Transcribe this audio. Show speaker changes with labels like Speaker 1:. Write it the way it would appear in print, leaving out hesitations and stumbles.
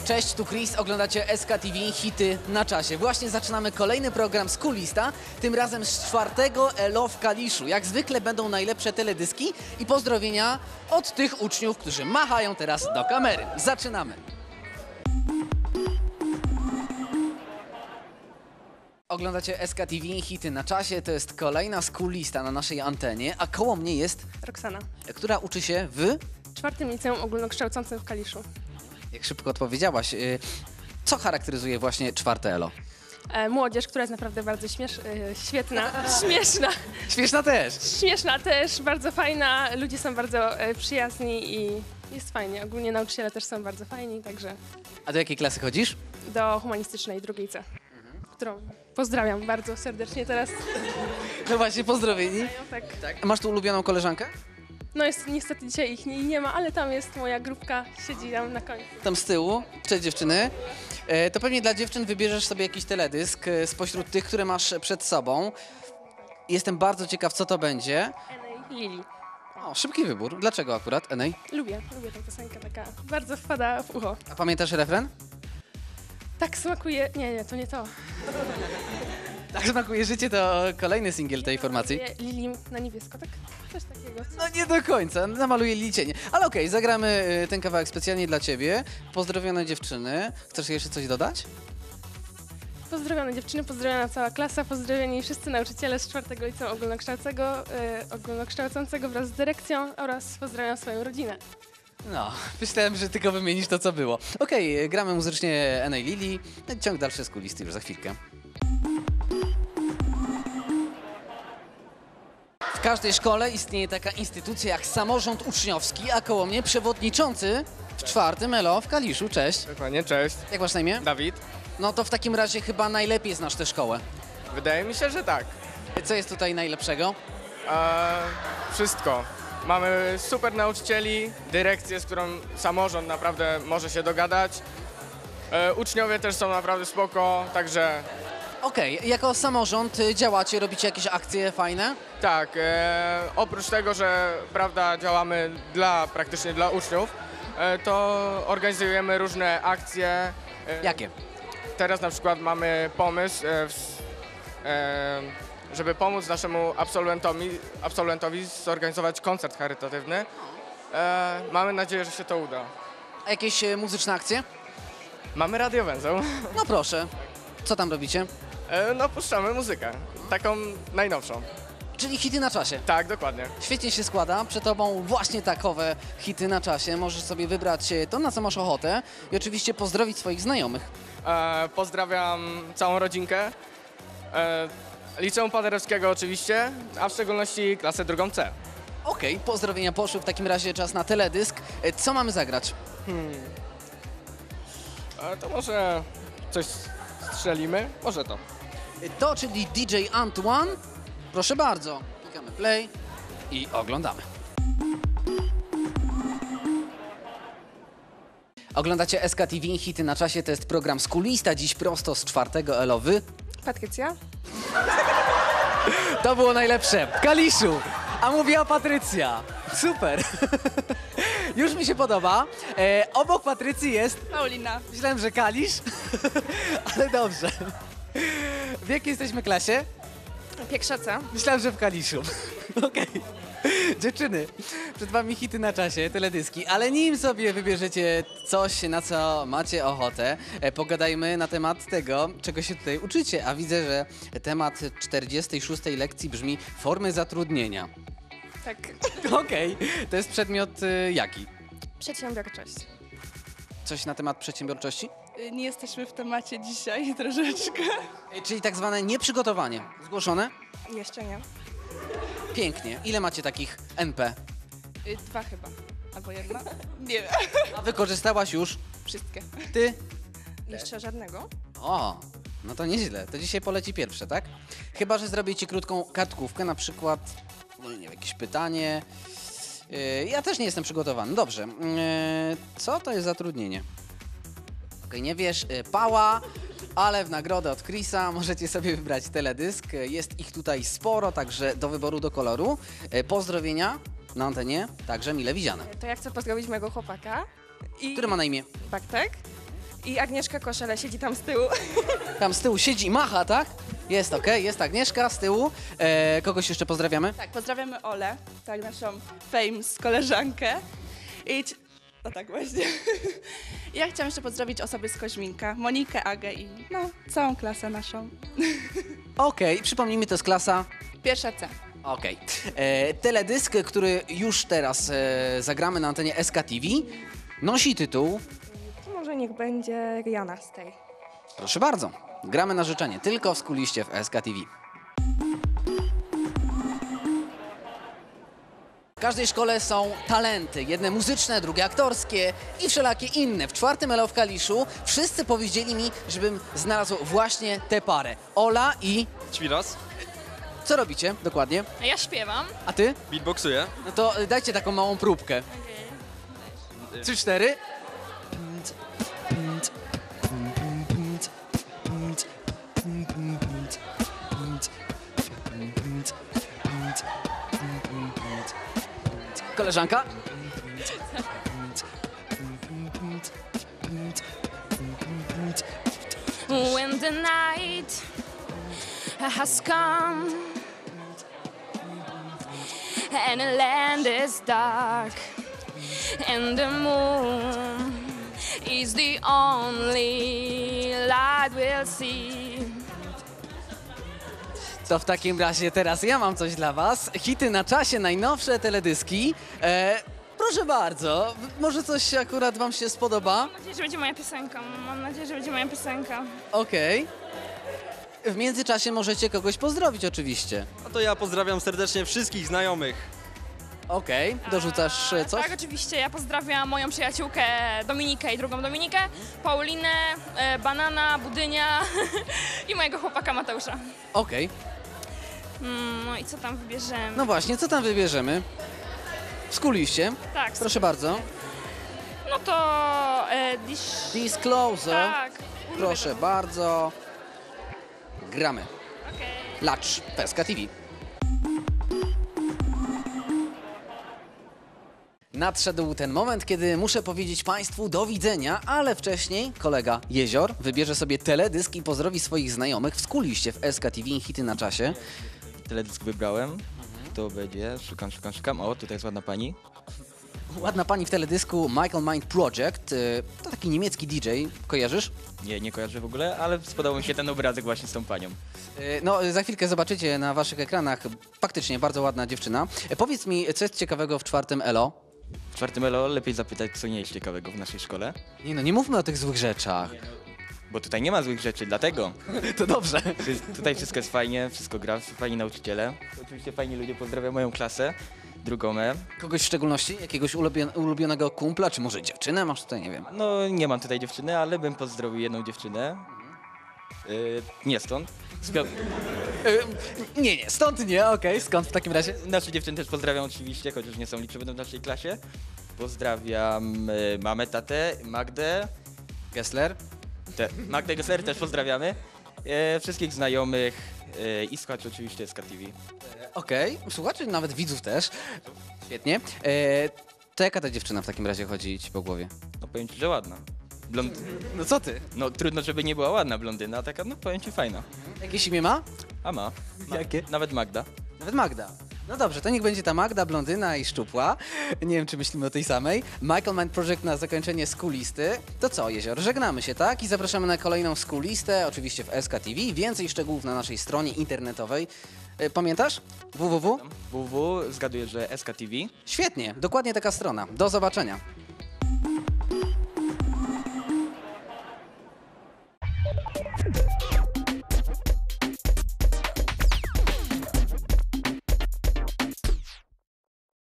Speaker 1: Cześć, tu Chris, oglądacie SKTV Hity na czasie. Właśnie zaczynamy kolejny program Schoolista, tym razem z 4. ELO w Kaliszu. Jak zwykle będą najlepsze teledyski i pozdrowienia od tych uczniów, którzy machają teraz do kamery. Zaczynamy! Oglądacie SKTV Hity na czasie, to jest kolejna Schoolista na naszej antenie, a koło mnie jest,
Speaker 2: Roxana.
Speaker 1: która uczy się w...
Speaker 2: 4. Liceum Ogólnokształcącym w Kaliszu.
Speaker 1: Jak szybko odpowiedziałaś, co charakteryzuje właśnie 4. ELO?
Speaker 2: Młodzież, która jest naprawdę bardzo świetna, śmieszna.
Speaker 1: Śmieszna też!
Speaker 2: Śmieszna też, bardzo fajna, ludzie są bardzo przyjazni i jest fajnie. Ogólnie nauczyciele też są bardzo fajni, także
Speaker 1: A do jakiej klasy chodzisz?
Speaker 2: do humanistycznej, drugiej C, którą pozdrawiam bardzo serdecznie teraz.
Speaker 1: No właśnie, pozdrowieni.
Speaker 2: Tak.
Speaker 1: A masz tu ulubioną koleżankę?
Speaker 2: No jest, niestety dzisiaj ich nie ma, ale tam jest moja grupka, siedzi tam na końcu.
Speaker 1: Tam z tyłu. Cześć dziewczyny. To pewnie dla dziewczyn wybierzesz sobie jakiś teledysk spośród tych, które masz przed sobą. Jestem bardzo ciekaw, co to będzie.
Speaker 2: Enej, Lili.
Speaker 1: O, szybki wybór. Dlaczego akurat, Enej?
Speaker 2: Lubię tę piosenkę, taka bardzo wpada w ucho.
Speaker 1: A pamiętasz refren?
Speaker 2: Tak smakuje, nie, to nie to.
Speaker 1: Tak smakuje życie, to kolejny singiel tej formacji.
Speaker 2: Lili na niebiesko, tak? Coś takiego.
Speaker 1: No nie do końca, namaluję licienie. Ale okej, zagramy ten kawałek specjalnie dla ciebie. Pozdrowione dziewczyny. Chcesz jeszcze coś dodać?
Speaker 2: Pozdrowione dziewczyny, pozdrowiona cała klasa, pozdrowieni wszyscy nauczyciele z 4. Liceum Ogólnokształcącego wraz z dyrekcją oraz pozdrawiam swoją rodzinę.
Speaker 1: No, myślałem, że tylko wymienisz to, co było. Okej, gramy muzycznie Enej Lili. Ciąg dalszy z kulisty już za chwilkę. W każdej szkole istnieje taka instytucja jak samorząd uczniowski, a koło mnie przewodniczący w 4. ELO w Kaliszu. Cześć.
Speaker 3: Dokładnie, cześć.
Speaker 1: Jak masz na imię?
Speaker 3: Dawid.
Speaker 1: No to w takim razie chyba najlepiej znasz tę szkołę.
Speaker 3: Wydaje mi się, że tak.
Speaker 1: Co jest tutaj najlepszego?
Speaker 3: Wszystko. Mamy super nauczycieli, dyrekcję, z którą samorząd naprawdę może się dogadać. Uczniowie też są naprawdę spoko, także
Speaker 1: Okej, jako samorząd działacie, robicie jakieś akcje fajne?
Speaker 3: tak. Oprócz tego, że prawda, działamy praktycznie dla uczniów, to organizujemy różne akcje.
Speaker 1: Jakie?
Speaker 3: Teraz na przykład mamy pomysł, żeby pomóc naszemu absolwentowi zorganizować koncert charytatywny. Mamy nadzieję, że się to uda.
Speaker 1: A jakieś muzyczne akcje?
Speaker 3: Mamy radiowęzeł.
Speaker 1: No proszę. Co tam robicie?
Speaker 3: No puszczamy muzykę, taką najnowszą.
Speaker 1: Czyli hity na czasie.
Speaker 3: Tak, dokładnie.
Speaker 1: Świetnie się składa. Przed tobą właśnie takowe hity na czasie. Możesz sobie wybrać to, na co masz ochotę i oczywiście pozdrowić swoich znajomych.
Speaker 3: Pozdrawiam całą rodzinkę, Liceum Paderewskiego oczywiście, a w szczególności klasę 2. C.
Speaker 1: Okej, pozdrowienia poszły. W takim razie czas na teledysk. Co mamy zagrać?
Speaker 3: To może coś strzelimy? Może to.
Speaker 1: To, czyli DJ Antoine. Proszę bardzo. Klikamy play i oglądamy. Oglądacie SKTV Hity na czasie. To jest program Schoolista. Dziś prosto z 4. ELO.
Speaker 2: Patrycja?
Speaker 1: To było najlepsze. W Kaliszu. A mówiła Patrycja. Super. Już mi się podoba. Obok Patrycji jest...
Speaker 2: Paulina.
Speaker 1: Myślałem, że Kalisz. Ale dobrze. W jakiej jesteśmy klasie?
Speaker 2: Piekrzaca.
Speaker 1: Myślałem, że w Kaliszu. Okej. Dziewczyny, przed wami hity na czasie, teledyski, ale nim sobie wybierzecie coś, na co macie ochotę, pogadajmy na temat tego, czego się tutaj uczycie. A widzę, że temat 46. lekcji brzmi formy zatrudnienia.
Speaker 2: Tak.
Speaker 1: Okej. To jest przedmiot jaki?
Speaker 2: Przedsiębiorczość.
Speaker 1: Coś na temat przedsiębiorczości?
Speaker 4: Nie jesteśmy w temacie dzisiaj troszeczkę.
Speaker 1: Czyli tak zwane nieprzygotowanie. Zgłoszone?
Speaker 4: Jeszcze nie.
Speaker 1: Pięknie. Ile macie takich NP?
Speaker 4: 2 chyba. Albo 1. Nie wiem.
Speaker 1: A wykorzystałaś już
Speaker 4: Wszystkie.
Speaker 1: ty?
Speaker 4: Jeszcze żadnego?
Speaker 1: O, no to nieźle. To dzisiaj poleci pierwsze, tak? Chyba że zrobię ci krótką kartkówkę, na przykład, no nie wiem, jakieś pytanie. Ja też nie jestem przygotowany. Dobrze. Co to jest zatrudnienie? Okej, nie wiesz, pała, ale w nagrodę od Chrisa możecie sobie wybrać teledysk. Jest ich tutaj sporo, także do wyboru, do koloru. Pozdrowienia na antenie, także mile widziane.
Speaker 4: To ja chcę pozdrowić mojego chłopaka.
Speaker 1: Który ma na imię?
Speaker 4: Bartek. I Agnieszka Koszele siedzi tam z tyłu.
Speaker 1: Tam z tyłu siedzi i macha, tak? Jest okej, jest Agnieszka z tyłu. Kogoś jeszcze pozdrawiamy?
Speaker 4: Tak, pozdrawiamy Olę, tak, naszą famous koleżankę. No tak właśnie. Ja chciałam jeszcze pozdrowić osoby z Koźminka, Monikę, Agę i no, całą klasę naszą.
Speaker 1: Okej, przypomnijmy, to jest klasa...
Speaker 4: Pierwsza C.
Speaker 1: Okej. Teledysk, który już teraz zagramy na antenie SKTV, nosi tytuł...
Speaker 5: To może niech będzie Rihanna z tej.
Speaker 1: Proszę bardzo, gramy na życzenie, tylko w skuliście w SKTV. W każdej szkole są talenty, jedne muzyczne, drugie aktorskie i wszelakie inne. W 4. ELO w Kaliszu wszyscy powiedzieli mi, żebym znalazł właśnie tę parę. Ola i...
Speaker 6: Ćwiros,
Speaker 1: Co robicie dokładnie?
Speaker 2: Ja śpiewam.
Speaker 1: A ty?
Speaker 6: beatboxuję.
Speaker 1: No to dajcie taką małą próbkę. 3, 4. Koleżanka?
Speaker 2: When the night has come and the land is dark and the moon is the only light we'll see.
Speaker 1: To w takim razie teraz ja mam coś dla was. Hity na czasie, najnowsze teledyski. Proszę bardzo, może coś akurat wam się spodoba?
Speaker 2: Mam nadzieję, że będzie moja piosenka. Mam nadzieję, że będzie moja piosenka.
Speaker 1: Okej. W międzyczasie możecie kogoś pozdrowić oczywiście.
Speaker 6: A to ja pozdrawiam serdecznie wszystkich znajomych.
Speaker 1: Okej, dorzucasz coś?
Speaker 2: Tak, oczywiście. Ja pozdrawiam moją przyjaciółkę Dominikę i drugą Dominikę, Paulinę, Banana, Budynia i mojego chłopaka Mateusza.
Speaker 1: Okej.
Speaker 2: No i co tam wybierzemy?
Speaker 1: No właśnie, co tam wybierzemy? Skuliście.
Speaker 2: tak,
Speaker 1: Proszę bardzo.
Speaker 2: no to
Speaker 1: Disclosure.
Speaker 2: tak.
Speaker 1: Proszę bardzo. Gramy.
Speaker 2: Okej.
Speaker 1: Lacz, Peska TV. Nadszedł ten moment, kiedy muszę powiedzieć Państwu do widzenia, ale wcześniej kolega Jezior wybierze sobie teledysk i pozdrowi swoich znajomych w skuliście w SKTV Hity na czasie.
Speaker 7: Teledysk wybrałem. To będzie, szukam. O, tutaj jest ładna pani.
Speaker 1: Ładna pani w teledysku Michael Mind Project. To taki niemiecki DJ, kojarzysz?
Speaker 7: Nie kojarzę w ogóle, ale spodobał mi się ten obrazek właśnie z tą panią.
Speaker 1: No, za chwilkę zobaczycie na waszych ekranach. Faktycznie bardzo ładna dziewczyna. Powiedz mi, co jest ciekawego w 4. ELO?
Speaker 7: W 4. ELO lepiej zapytać, co nie jest ciekawego w naszej szkole.
Speaker 1: Nie mówmy o tych złych rzeczach.
Speaker 7: Bo tutaj nie ma złych rzeczy, dlatego.
Speaker 1: To dobrze.
Speaker 7: Tutaj wszystko jest fajnie, wszystko gra, fajni nauczyciele. Oczywiście fajni ludzie, pozdrawiam moją klasę, drugą E.
Speaker 1: Kogoś w szczególności? Jakiegoś ulubionego kumpla, czy może dziewczynę masz tutaj, nie wiem.
Speaker 7: No, nie mam tutaj dziewczyny, ale bym pozdrowił jedną dziewczynę. Nie stąd.
Speaker 1: Nie, stąd nie, okej, skąd w takim razie?
Speaker 7: Nasze dziewczyny też pozdrawiam oczywiście, chociaż nie są liczne, będą w naszej klasie. Pozdrawiam mamę, tatę, Magdę.
Speaker 1: Gessler?
Speaker 7: Magdę Gessler też pozdrawiamy. Wszystkich znajomych i słuchaczy oczywiście SKTV.
Speaker 1: Okej, słuchaczy, nawet widzów też. Świetnie. To jaka ta dziewczyna w takim razie chodzi ci po głowie?
Speaker 7: No powiem ci, że ładna.
Speaker 1: No co ty?
Speaker 7: No trudno, żeby nie była ładna blondyna, a taka, no powiem ci, fajna.
Speaker 1: Jakieś imię ma?
Speaker 7: A ma.
Speaker 1: Jakie?
Speaker 7: Nawet Magda.
Speaker 1: Nawet Magda. No dobrze, to niech będzie ta Magda, blondyna i szczupła. Nie wiem, czy myślimy o tej samej. Michael Mind Project na zakończenie skulisty. To co, Jezior, żegnamy się, tak? I zapraszamy na kolejną skulistę, oczywiście w SKTV. Więcej szczegółów na naszej stronie internetowej. Pamiętasz? www?
Speaker 7: www, zgaduję, że SKTV.
Speaker 1: Świetnie, dokładnie taka strona. Do zobaczenia.